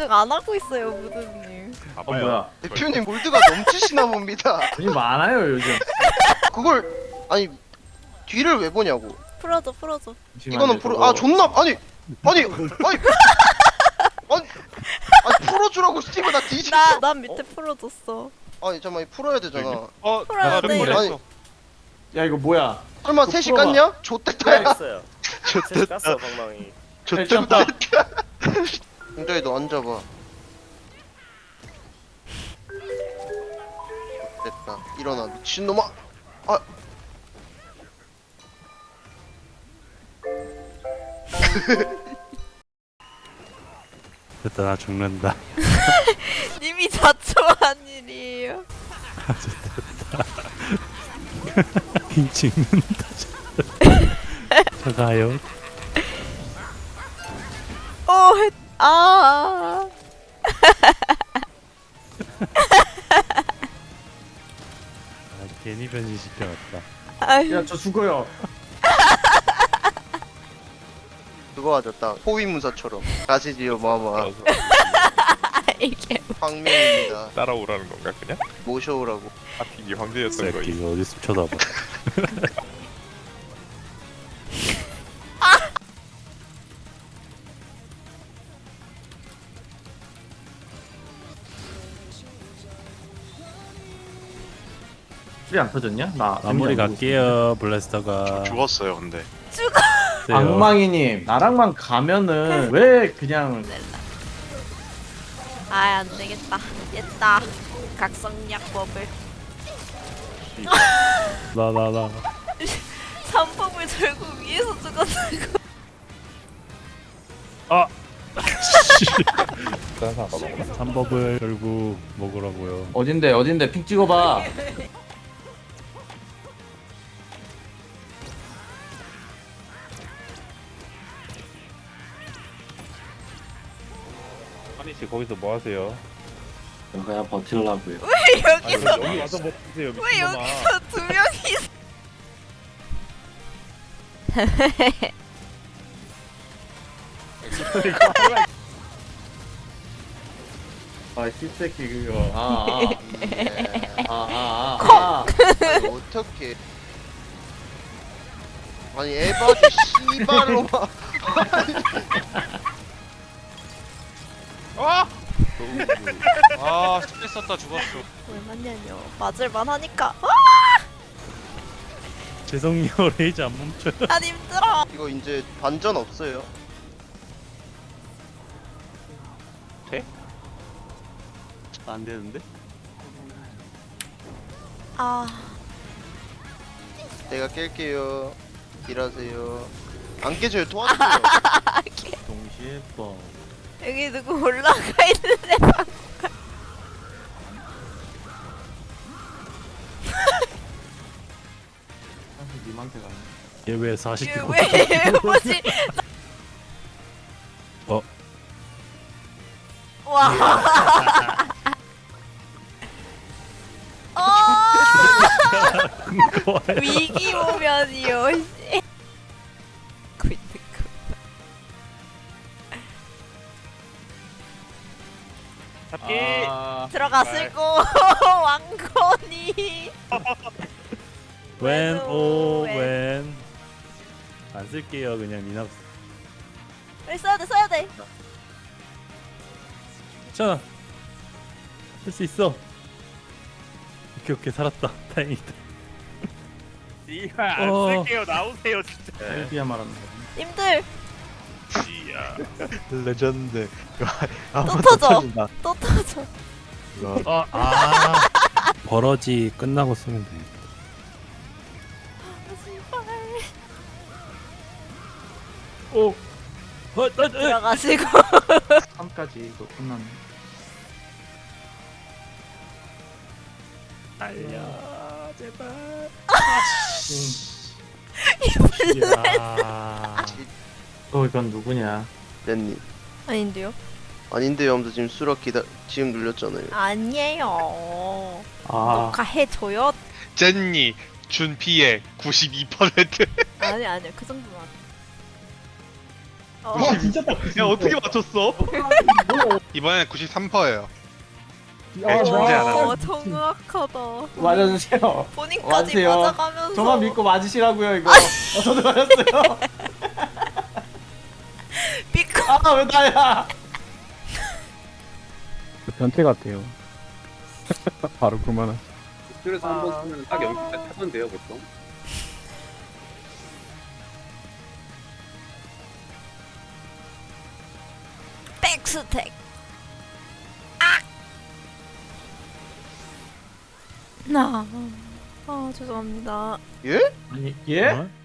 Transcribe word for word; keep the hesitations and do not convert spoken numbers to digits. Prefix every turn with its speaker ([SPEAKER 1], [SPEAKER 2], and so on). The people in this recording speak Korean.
[SPEAKER 1] 집중 안 하고 있어요, 무드님.
[SPEAKER 2] 어
[SPEAKER 3] 봐봐요.
[SPEAKER 2] 뭐야?
[SPEAKER 4] 대표님 골드가 넘치시나 봅니다.
[SPEAKER 2] 돈이 많아요 요즘.
[SPEAKER 4] 그걸 아니 뒤를 왜 보냐고.
[SPEAKER 1] 풀어줘, 풀어줘.
[SPEAKER 4] 이거는 프로 아 존나 아니 아니 아니 아니 아니 풀어주라고 스티브 나 뒤지.
[SPEAKER 1] 나, 난 밑에 풀어줬어.
[SPEAKER 4] 아니 잠깐만 풀어야 되잖아.
[SPEAKER 3] 어,
[SPEAKER 1] 풀어야
[SPEAKER 3] 나
[SPEAKER 1] 돼.
[SPEAKER 3] 렉
[SPEAKER 4] 아니,
[SPEAKER 3] 걸렸어.
[SPEAKER 2] 야 이거 뭐야?
[SPEAKER 4] 설마
[SPEAKER 2] 그거
[SPEAKER 4] 셋이
[SPEAKER 2] 풀어봐.
[SPEAKER 4] 깠냐? 좆됐다 야.
[SPEAKER 5] 했어요. 셋이 깠어 방망이.
[SPEAKER 4] 좆됐다. 굉장히 너 앉아봐. 됐다. 일어나 미친놈아. 아.
[SPEAKER 6] 됐다 나 죽는다.
[SPEAKER 1] 님이 자초한 일이에요.
[SPEAKER 6] 죽는다. 저 가요.
[SPEAKER 1] 어, 했, 아.
[SPEAKER 6] 아, 괜히 변신시켜놨다.
[SPEAKER 1] 아유,
[SPEAKER 2] 야 저 죽어요.
[SPEAKER 4] 그거 하자 딱 호위무사처럼 가시지요 마마.
[SPEAKER 1] 이게.
[SPEAKER 4] 황명입니다.
[SPEAKER 3] 따라오라는 건가 그냥?
[SPEAKER 4] 모셔오라고.
[SPEAKER 3] 하필이 황제였던 거이.
[SPEAKER 6] 새끼가 어디서 쳐다봐.
[SPEAKER 2] 술이 안 터졌냐? 나
[SPEAKER 6] 마무리
[SPEAKER 2] 재미없는
[SPEAKER 6] 갈게요 블래스터가.
[SPEAKER 3] 죽었어요 근데.
[SPEAKER 2] 거. 악망이님 나랑만 가면은 왜 그냥
[SPEAKER 1] 아, 안 되겠다. 됐다. 각성약법을.
[SPEAKER 6] 나나나.
[SPEAKER 1] 삼법을 결국 위에서 죽었다고.
[SPEAKER 6] 삼법을 결국 먹으라고요.
[SPEAKER 2] 어딘데 어딘데 픽 찍어봐.
[SPEAKER 3] 아니 씨 거기서 뭐 하세요?
[SPEAKER 2] 그냥 버틸라고요.
[SPEAKER 1] 왜
[SPEAKER 3] 아니
[SPEAKER 1] 여기서,
[SPEAKER 3] 여기 와서 뭐 드세요
[SPEAKER 1] 왜
[SPEAKER 3] 미친놈아.
[SPEAKER 1] 여기서 두 명이.
[SPEAKER 2] 아 씨새끼 그거. 아아아아
[SPEAKER 4] 네.
[SPEAKER 2] 아, 아, 아, 아.
[SPEAKER 4] 아니, 어떻게? 아니 에바지 씨발로마.
[SPEAKER 3] 아! 아 스트레스 썼다 죽었어.
[SPEAKER 1] 얼마냐뇨. 맞을만 하니까. 아,
[SPEAKER 6] 죄송해요 레이저 안 멈춰요.
[SPEAKER 1] 난 힘들어.
[SPEAKER 4] 이거 이제 반전 없어요.
[SPEAKER 6] 안 되는데?
[SPEAKER 1] 아,
[SPEAKER 4] 내가 깰게요. 일하세요. 안 깨져요. 도와주세요.
[SPEAKER 2] 동시에 뻥.
[SPEAKER 1] 여기 누구 올라가 있는데.
[SPEAKER 2] 사실 님한테 가네.
[SPEAKER 6] 얘 왜 사십 개
[SPEAKER 1] 왜, 뭐지?
[SPEAKER 6] 어?
[SPEAKER 1] 와. 어, 위기 오면이요. 씨. 그 있는 거.
[SPEAKER 3] 잡기.
[SPEAKER 2] 아,
[SPEAKER 1] 들어갔을 거 왕건이.
[SPEAKER 6] 웬,
[SPEAKER 1] 웬,
[SPEAKER 6] 오,
[SPEAKER 1] 웬.
[SPEAKER 6] 웬. 안 쓸게요, 그냥 니나.
[SPEAKER 1] 빨리 써야 돼, 써야 돼.
[SPEAKER 6] 자, 할 수 있어. 오케이, 오케이, 살았다. 다행이다.
[SPEAKER 3] 이거 안
[SPEAKER 6] 어.
[SPEAKER 3] 쓸게요. 나오세요 진짜.
[SPEAKER 2] 셀비야 말하는 거.
[SPEAKER 1] 님들
[SPEAKER 3] 씨야.
[SPEAKER 6] 레전드.
[SPEAKER 1] 또 터져. 또 터져.
[SPEAKER 6] 아, 아. 버러지 끝나고 쓰면 돼.
[SPEAKER 1] 제발.
[SPEAKER 6] 오. 어, 어, 어.
[SPEAKER 1] 들어가시고.
[SPEAKER 2] 삼까지 이거 끝났네.
[SPEAKER 6] 달려, 제발. 야.
[SPEAKER 2] 어 이건 누구냐?
[SPEAKER 4] 렌님.
[SPEAKER 1] 아닌데요?
[SPEAKER 4] 아닌데요 하면서 지금 수락 기다 지금 눌렸잖아요.
[SPEAKER 1] 아니에요.
[SPEAKER 2] 아
[SPEAKER 1] 녹화해줘요.
[SPEAKER 3] 젠니 준 피해 구십이 퍼센트.
[SPEAKER 1] 아니 아니요 그 정도만. 어.
[SPEAKER 2] 와 진짜 딱
[SPEAKER 3] 야 어떻게 맞췄어?
[SPEAKER 2] 뭐
[SPEAKER 3] 이번엔 구십삼 퍼센트예요.
[SPEAKER 7] 아,
[SPEAKER 3] 네, 존재 안 하네.
[SPEAKER 1] 와 정확하다.
[SPEAKER 2] 맞아주세요.
[SPEAKER 1] 본인까지
[SPEAKER 2] 맞으세요.
[SPEAKER 1] 맞아가면서.
[SPEAKER 2] 저만 믿고 맞으시라고요 이거. 어, 저도 맞았어요.
[SPEAKER 1] 삐끗.
[SPEAKER 2] 아 왜 나야?
[SPEAKER 6] 그 변태 같아요. 바로 그만하.
[SPEAKER 7] 그래서 한 번 쓰면 딱 여기까지 하면 돼요 보통.
[SPEAKER 1] 백스택. 아. 나. 아 죄송합니다.
[SPEAKER 4] 예?
[SPEAKER 2] 아니 예?
[SPEAKER 6] 어?